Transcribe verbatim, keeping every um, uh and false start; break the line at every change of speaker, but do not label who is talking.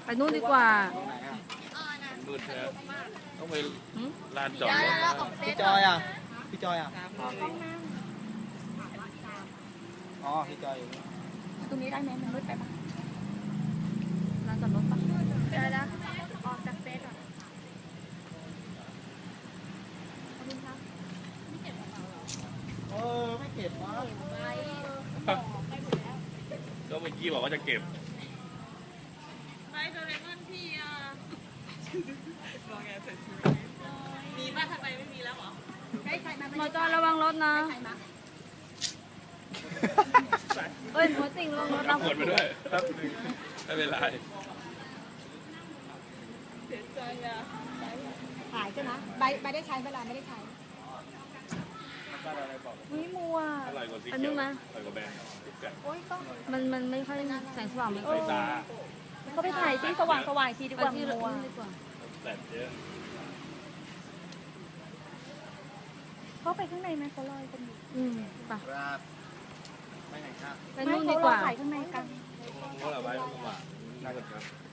ไปนู่นดีกว่า
มืดแล้วต้องไปลานจอดรถ
พี่จอยอ่ะพี่จอยอ่ะอ๋อพี่จอยอยู่นี่
ตรงนี้ได้ไหมมันมืดไปปะ
ลานจอดรถปะ
เดี๋ยวนะออกจากเฟซก่อน
เออไม่เก็บวะ
ก็เมื่อกี้บอกว่าจะเก็บ
ไปโดเรมอนพี่อ่ะรอไงเสร็จชีวิตมีป่ะทำไมไม่มีแล้วเหรอ
ได้ใครมา
หมอจอยระวังรถนะ
ใครมา
เอ้ยหมอติ่งระวังรถ
รั
นะ
บผลไปด้วยครับไม่เป็นไร
เสียใจอ่ะ
ขายใช่ไหมใบใบได้ใช้เวลาไม่ได้ใช้วิมัว
อร่อยกว่าสี
อัน
เขี
นี้
ยว
มา
อร่อยกว่าแบงค์ติดกัน
โอ้ยต้อง
มันมันไม่ค่อยแสงสว่างไม่ค่
ใส่
อย
ตา
ก็ไปถ่ายที่สว่างสว่างทีดีกว่า
ที่
มัว
นี่ดีกว่า
แต่เยอะ
เข้าไปข้างในไหมเขาลอยกันอยู่
อืมไป
ครับไม่ไหนครับ
ไปนู่นดีกว่า
ไม่เขรอขายข้างในกัน
เพราะเราไว้ตรงหวานน่าจะครับ